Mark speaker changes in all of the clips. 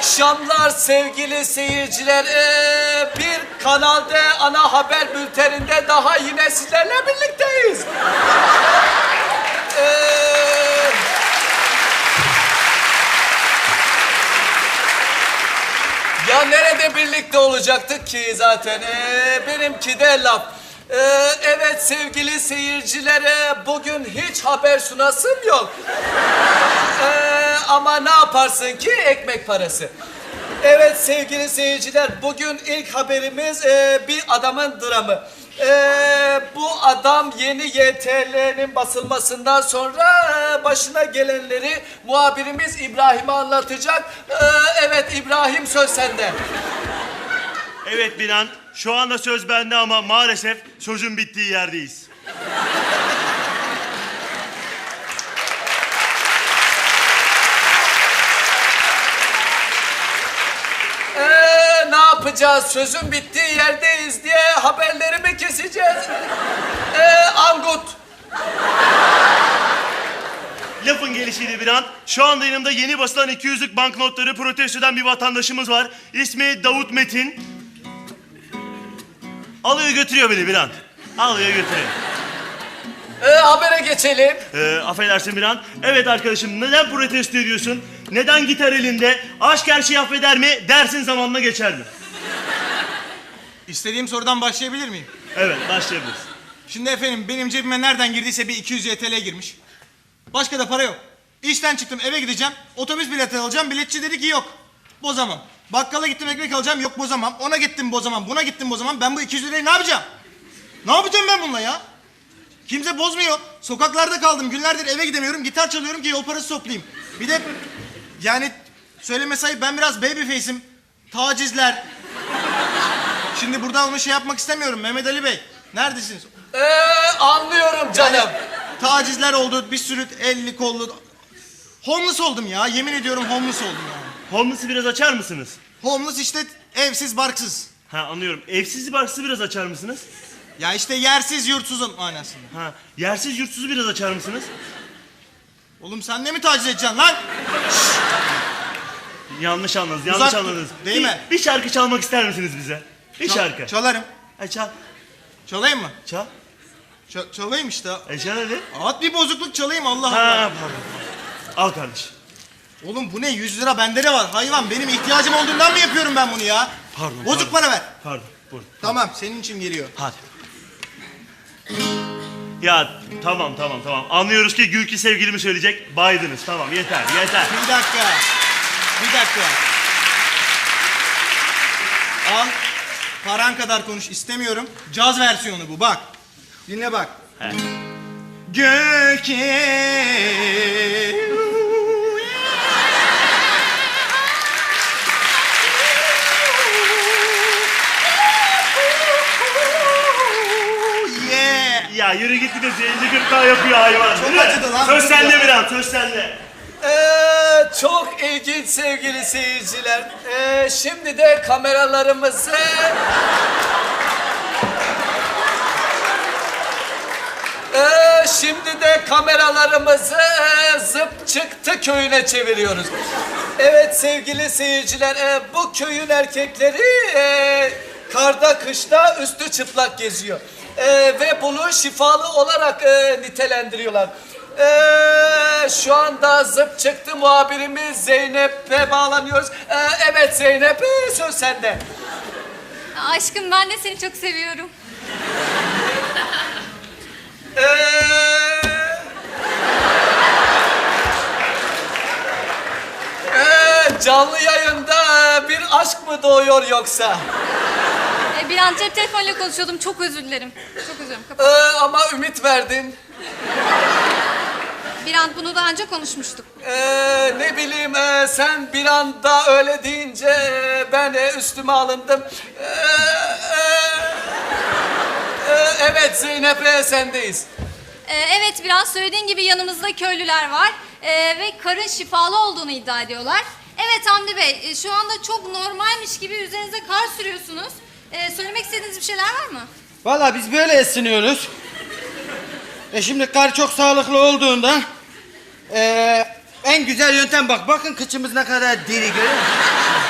Speaker 1: akşamlar sevgili seyirciler. Bir Kanal D ana haber bülteninde daha yine sizlerle birlikteyiz. Ya nerede birlikte olacaktık ki zaten? Benimki de laf. Evet sevgili seyircilere, bugün hiç haber sunasım yok. Ama ne yaparsın ki, ekmek parası. Evet sevgili seyirciler, bugün ilk haberimiz bir adamın dramı. Bu adam yeni YTL'nin basılmasından sonra başına gelenleri muhabirimiz İbrahim'e anlatacak. Evet İbrahim, söz sende.
Speaker 2: Evet Binan, şu anda söz bende ama maalesef sözün bittiği yerdeyiz.
Speaker 1: Ne yapacağız? Sözün bittiği yerdeyiz diye haberleri mi keseceğiz? Angut.
Speaker 2: Lafın gelişiydi Binan. Şu anda yanımda yeni basılan 200'lük banknotları protesto eden bir vatandaşımız var. İsmi Davut Metin. Alıyor götürüyor beni Binan. Alıyor götürüyor.
Speaker 1: Habere geçelim.
Speaker 2: Affedersin Binan. Evet arkadaşım, neden protesto ediyorsun? Neden gitar elinde? Aşk her şeyi affeder mi? Dersin zamanla geçer mi?
Speaker 3: İstediğim sorudan başlayabilir miyim?
Speaker 2: Evet, başlayabiliriz.
Speaker 3: Şimdi efendim, benim cebime nereden girdiyse bir 200 YTL girmiş. Başka da para yok. İşten çıktım, eve gideceğim. Otobüs bileti alacağım. Biletçi dedi ki yok, bozamam. Bakkala gittim, ekmek alacağım. Yok, bozamam. Ona gittim, bozamam. Buna gittim, bozamam. Ben bu 200 lirayı ne yapacağım? Ne yapacağım ben bununla ya? Kimse bozmuyor. Sokaklarda kaldım. Günlerdir eve gidemiyorum. Gitar çalıyorum ki yol parası toplayayım. Bir de yani söyleme sayıp ben biraz babyface'im. Tacizler. Şimdi burada onu şey yapmak istemiyorum. Mehmet Ali Bey, neredesiniz?
Speaker 1: Anlıyorum canım.
Speaker 3: Tacizler oldu. Bir sürü elli kollu. Homeless oldum ya. Yemin ediyorum homeless oldum ya.
Speaker 2: Homeless'ı biraz açar mısınız?
Speaker 3: Homeless işte evsiz barksız.
Speaker 2: Ha, anlıyorum. Evsiz barksızı biraz açar mısınız?
Speaker 3: Ya işte yersiz yurtsuzum manasında.
Speaker 2: Ha, yersiz yurtsuzu biraz açar mısınız?
Speaker 3: Oğlum sen ne mi taciz edeceksin lan?
Speaker 2: Yanlış anladınız, yanlış
Speaker 3: Uzak dur,
Speaker 2: anladınız.
Speaker 3: değil mi?
Speaker 2: Bir şarkı çalmak ister misiniz bize? Bir şarkı.
Speaker 3: Çalarım.
Speaker 2: Çal.
Speaker 3: Çalayım mı?
Speaker 2: Çal.
Speaker 3: Çalayım işte.
Speaker 2: Çal hadi.
Speaker 3: At bir bozukluk çalayım, Allah
Speaker 2: Ha,
Speaker 3: Allah.
Speaker 2: pardon. Al kardeş.
Speaker 3: Oğlum bu ne? 100 lira bende de var. Hayvan, benim ihtiyacım olduğundan mı yapıyorum ben bunu ya?
Speaker 2: Pardon.
Speaker 3: Bozuk para ver.
Speaker 2: Pardon. Buyurun.
Speaker 3: Tamam, senin için geliyor.
Speaker 2: Hadi. Ya tamam. Anlıyoruz ki Gülki sevgilimi söyleyecek. Baydınız. Tamam, yeter.
Speaker 3: Bir dakika. Al. Paran kadar konuş istemiyorum. Caz versiyonu bu, bak. Dinle bak.
Speaker 2: He.
Speaker 3: Göki.
Speaker 2: Ya yürü git, bir de zenci gırtlağı yapıyor hayvan.
Speaker 3: Çok
Speaker 2: Yürü.
Speaker 3: acıdı lan.
Speaker 2: Söz sende Binan, söz sende.
Speaker 1: Çok ilginç sevgili seyirciler. Şimdi de kameralarımızı... Zıp Çıktı köyüne çeviriyoruz. Evet sevgili seyirciler, bu köyün erkekleri karda kışta üstü çıplak geziyor. Ve bunu şifalı olarak nitelendiriyorlar. Şu anda Zıp Çıktı muhabirimiz Zeynep'e bağlanıyoruz. Evet Zeynep, söz sende.
Speaker 4: Aşkım, ben de seni çok seviyorum.
Speaker 1: Canlı yayında bir aşk mı doğuyor yoksa?
Speaker 4: Bir an cep telefonuyla konuşuyordum. Çok özür dilerim. Çok özür dilerim.
Speaker 1: Ama ümit verdin.
Speaker 4: Bir an bunu daha önce konuşmuştuk.
Speaker 1: Ne bileyim, sen bir anda öyle deyince ben üstüme alındım. Evet Zeynep, sendeyiz.
Speaker 4: Evet, biraz söylediğin gibi yanımızda köylüler var. Ve karın şifalı olduğunu iddia ediyorlar. Evet Hamdi Bey, şu anda çok normalmiş gibi üzerinize kar sürüyorsunuz. Söylemek istediğiniz bir şeyler var mı?
Speaker 5: Vallahi biz böyle esiniyoruz. Şimdi kar çok sağlıklı olduğunda en güzel yöntem, bakın kıçımız ne kadar diri, görüyor musun?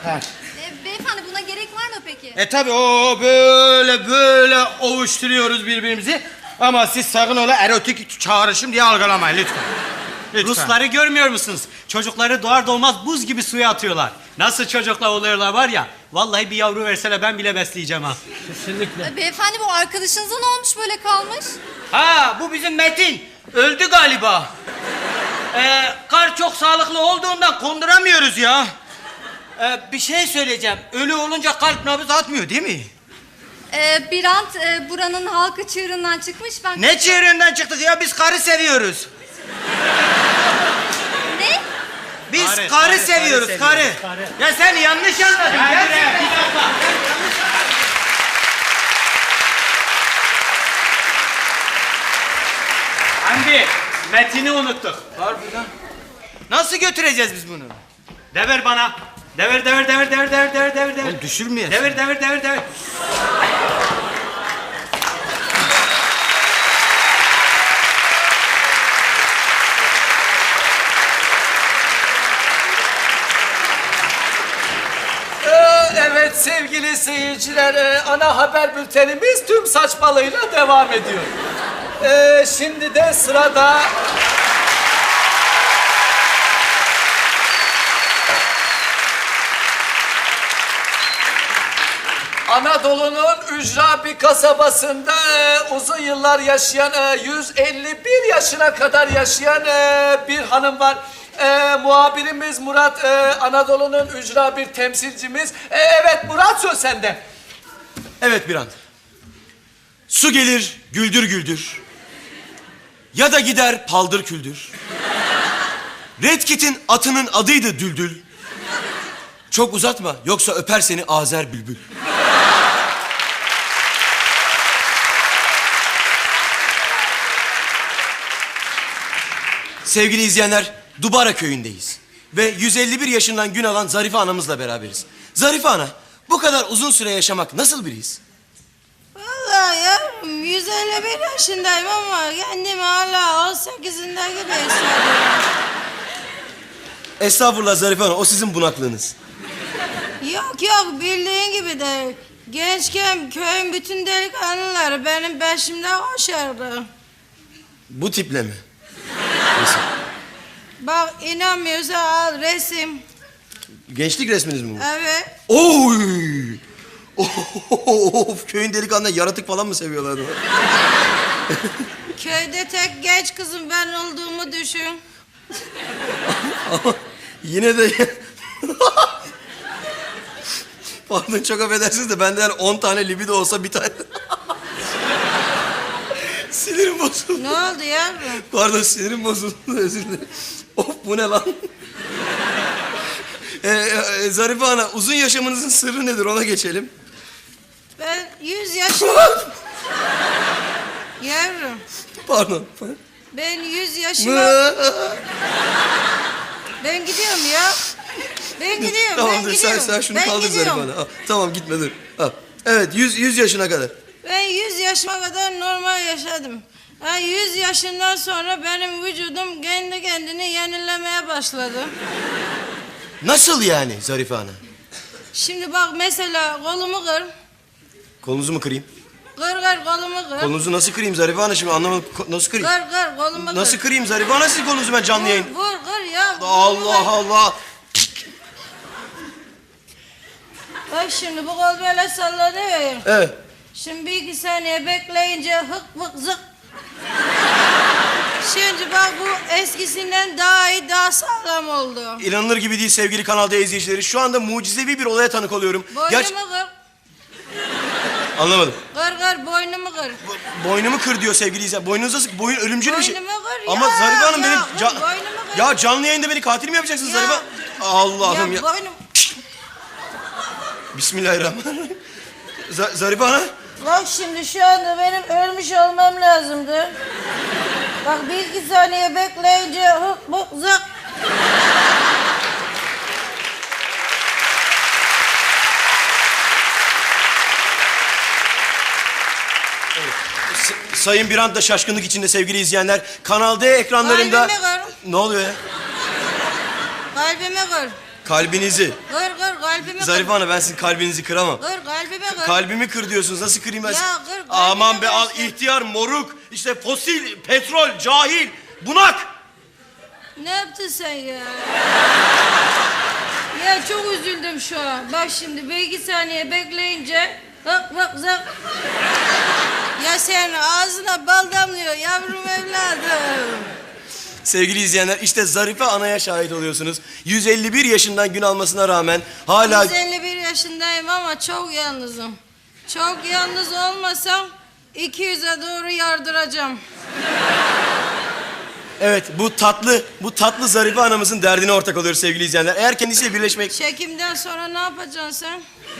Speaker 4: Beyefendi buna gerek var mı peki?
Speaker 5: Tabi o böyle ovuşturuyoruz birbirimizi. Ama siz sakın öyle erotik çağrışım diye algılamayın lütfen. Lütfen.
Speaker 6: Rusları görmüyor musunuz? Çocukları doğar doğmaz buz gibi suya atıyorlar. Nasıl çocuklar oluyorlar var ya. Vallahi bir yavru verseler ben bile besleyeceğim ha.
Speaker 4: Beyefendi bu arkadaşınıza ne olmuş böyle kalmış?
Speaker 5: Ha bu bizim Metin. Öldü galiba. Kar çok sağlıklı olduğundan konduramıyoruz ya. Bir şey söyleyeceğim. Ölü olunca kalp nabız atmıyor değil mi?
Speaker 4: Birant buranın halkı çığırından çıkmış. Ben...
Speaker 5: Ne çığırından çıktık ya? Biz karı seviyoruz.
Speaker 4: Ne?
Speaker 5: Biz
Speaker 6: Karı,
Speaker 5: karı
Speaker 6: karı
Speaker 5: seviyoruz,
Speaker 6: seviyoruz,
Speaker 5: karı.
Speaker 6: karı.
Speaker 5: Ya sen yanlış anladın. Gerçekten.
Speaker 6: Hamdi, Metin'i unuttuk.
Speaker 5: Harbiden. Nasıl götüreceğiz biz bunu?
Speaker 6: Dever bana. Dever.
Speaker 5: Oğlum düşürmeyesin.
Speaker 6: Dever.
Speaker 1: Evet sevgili seyirciler, ana haber bültenimiz tüm saçmalığıyla devam ediyor. Şimdi de sırada... Anadolu'nun ücra bir kasabasında uzun yıllar yaşayan, 151 yaşına kadar yaşayan bir hanım var. Muhabirimiz Murat, Anadolu'nun ücra bir temsilcimiz. Evet Murat, söz sende.
Speaker 7: Evet Birant. Su gelir güldür güldür. Ya da gider paldır küldür. Red Kit'in atının adıydı Düldül. Çok uzatma yoksa öper seni Azer Bülbül. Sevgili izleyenler, Dubara köyündeyiz. Ve 151 yaşından gün alan Zarife anamızla beraberiz. Zarife ana, bu kadar uzun süre yaşamak nasıl bir his?
Speaker 8: Vallahi yavrum 151 yaşındayım ama kendimi hala 18'inde gibi hissediyorum.
Speaker 7: Estağfurullah Zarife ana, o sizin bunaklığınız.
Speaker 8: Yok bildiğin gibi de gençken köyün bütün delikanlıları benim peşimde koşardı.
Speaker 7: Bu tiple mi?
Speaker 8: Bak inanmıyorsa al resim.
Speaker 7: Gençlik resminiz mi bu?
Speaker 8: Evet.
Speaker 7: Oy! Of, köyün delikanlı yaratık falan mı seviyorlar?
Speaker 8: Köyde tek genç kızım ben olduğumu düşün.
Speaker 7: Ama yine de... Pardon, çok affedersiniz de bende 10 tane libido olsa bir tane... Sinirim bozuldu.
Speaker 8: Ne oldu yavrum?
Speaker 7: Pardon, sinirim bozuldu, özür dilerim. Of, bu ne lan? Zarife ana, uzun yaşamınızın sırrı nedir, ona geçelim.
Speaker 8: Ben 100 yaşım... Yavrum
Speaker 7: Pardon.
Speaker 8: ben 100 yaşıma... Ben gidiyorum ya. Ben gidiyorum,
Speaker 7: Tamam,
Speaker 8: ben
Speaker 7: dur,
Speaker 8: gidiyorum.
Speaker 7: sen şunu
Speaker 8: Ben
Speaker 7: kaldır Zarife
Speaker 8: gidiyorum.
Speaker 7: ana. Al, tamam, gitme, dur. Al. Evet, 100 yaşına kadar.
Speaker 8: Ben 100 yaşıma kadar normal yaşadım. 100 yaşından sonra benim vücudum kendi kendini yenilemeye başladı.
Speaker 7: Nasıl yani Zarife ana?
Speaker 8: Şimdi bak mesela kolumu kır.
Speaker 7: Kolunuzu mu kırayım?
Speaker 8: Kır kolumu kır.
Speaker 7: Kolunuzu nasıl kırayım Zarife ana, şimdi anlamadım. Nasıl kırayım?
Speaker 8: Kır kolumu kır.
Speaker 7: Nasıl kırayım Zarife ana, sizin kolunuzu ben canlı yayın?
Speaker 8: Vur kır ya.
Speaker 7: Allah Allah.
Speaker 8: Bak şimdi bu kol böyle sallanıyor.
Speaker 7: Evet.
Speaker 8: Şimdi bir iki saniye bekleyince hık vık zık. Şimdi bak bu eskisinden daha iyi, daha sağlam oldu.
Speaker 7: İnanılır gibi değil sevgili Kanal D izleyicileri. Şu anda mucizevi bir olaya tanık oluyorum.
Speaker 8: Boynumu kır.
Speaker 7: Anlamadım.
Speaker 8: Kır boynumu kır.
Speaker 7: Boynumu kır diyor sevgili izleyiciler. Boynunuz nasıl? Boyun ölümcül bir şey.
Speaker 8: Boynumu kır
Speaker 7: Ama
Speaker 8: ya,
Speaker 7: Zarife Hanım
Speaker 8: ya,
Speaker 7: benim...
Speaker 8: kır, boynumu kır.
Speaker 7: Ya canlı yayında beni katil mi yapacaksınız
Speaker 8: Ya.
Speaker 7: Zarife? Allah'ım ya.
Speaker 8: boynum.
Speaker 7: Bismillahirrahmanirrahim. Zarife Hanım.
Speaker 8: Bak şimdi şu anda benim ölmüş olmam lazımdı. Bak bir iki saniye bekleyince hık bık zık.
Speaker 7: Sayın Birant da şaşkınlık içinde sevgili izleyenler. Kanal D ekranlarında...
Speaker 8: Kalbimi kır.
Speaker 7: Ne oluyor ya?
Speaker 8: Kalbimi kır.
Speaker 7: Kalbinizi.
Speaker 8: Kır kalbimi
Speaker 7: Zarife Hanım ben sizin kalbinizi kıramam.
Speaker 8: Kır kalbimi kır.
Speaker 7: Kalbimi kır diyorsunuz. Nasıl kırayım ben?
Speaker 8: Ya
Speaker 7: sizi?
Speaker 8: kır, kalbimi
Speaker 7: Aman be
Speaker 8: kır
Speaker 7: al
Speaker 8: işte.
Speaker 7: ihtiyar, moruk, işte fosil, petrol, cahil, bunak.
Speaker 8: Ne yaptın sen ya? Ya çok üzüldüm şu an. Bak şimdi bir iki saniye bekleyince bak zık. Ya senin ağzına bal damlıyor yavrum evladım.
Speaker 7: Sevgili izleyenler işte Zarife Ana'ya şahit oluyorsunuz. 151 yaşından gün almasına rağmen hala...
Speaker 8: 151 yaşındayım ama çok yalnızım. Çok yalnız olmasam 200'e doğru yardıracağım.
Speaker 7: Evet bu tatlı Zarife Ana'mızın derdine ortak oluyoruz sevgili izleyenler. Eğer kendisiyle birleşmek...
Speaker 8: Çekimden sonra ne yapacaksın sen?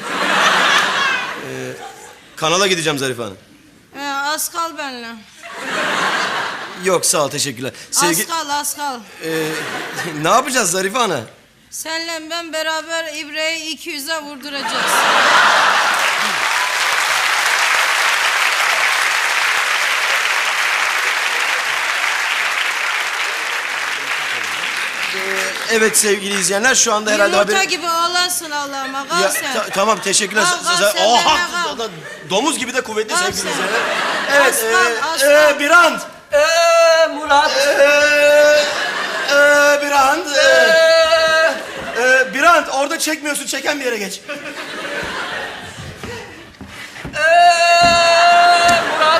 Speaker 7: Kanala gideceğim Zarife Hanım.
Speaker 8: Az kal benimle.
Speaker 7: Yok sağ ol teşekkürler.
Speaker 8: Az kal.
Speaker 7: Ne yapacağız Zarife Ana?
Speaker 8: Senle ben beraber İbre'yi 200'e vurduracağız.
Speaker 7: Evet sevgili izleyenler şu anda herhalde
Speaker 8: Yumurta
Speaker 7: haber...
Speaker 8: gibi oğlansın Allah'ıma. Kal
Speaker 7: Ya,
Speaker 8: sen.
Speaker 7: tamam teşekkürler.
Speaker 8: Kal sen,
Speaker 7: Oha!
Speaker 8: benimle kal.
Speaker 7: Domuz gibi de kuvvetli
Speaker 8: Kal
Speaker 7: sevgili
Speaker 8: sen.
Speaker 7: izleyenler. Evet,
Speaker 8: Aslan.
Speaker 7: Birant.
Speaker 1: Murat.
Speaker 7: Birant. Birant orada çekmiyorsun, çeken bir yere geç.
Speaker 1: Murat.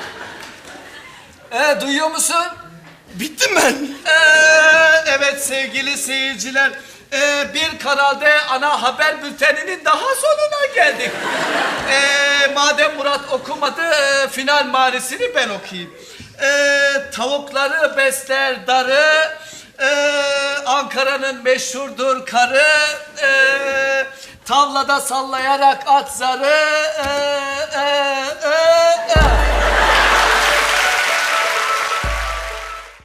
Speaker 1: Duyuyor musun?
Speaker 7: Bittim ben.
Speaker 1: Evet sevgili seyirciler. Bir kanalda ana haber bülteninin daha sonuna geldik. Madem Murat okumadı, final manisini ben okuyayım. Tavukları besler darı, Ankara'nın meşhurdur karı, tavlada sallayarak at zarı,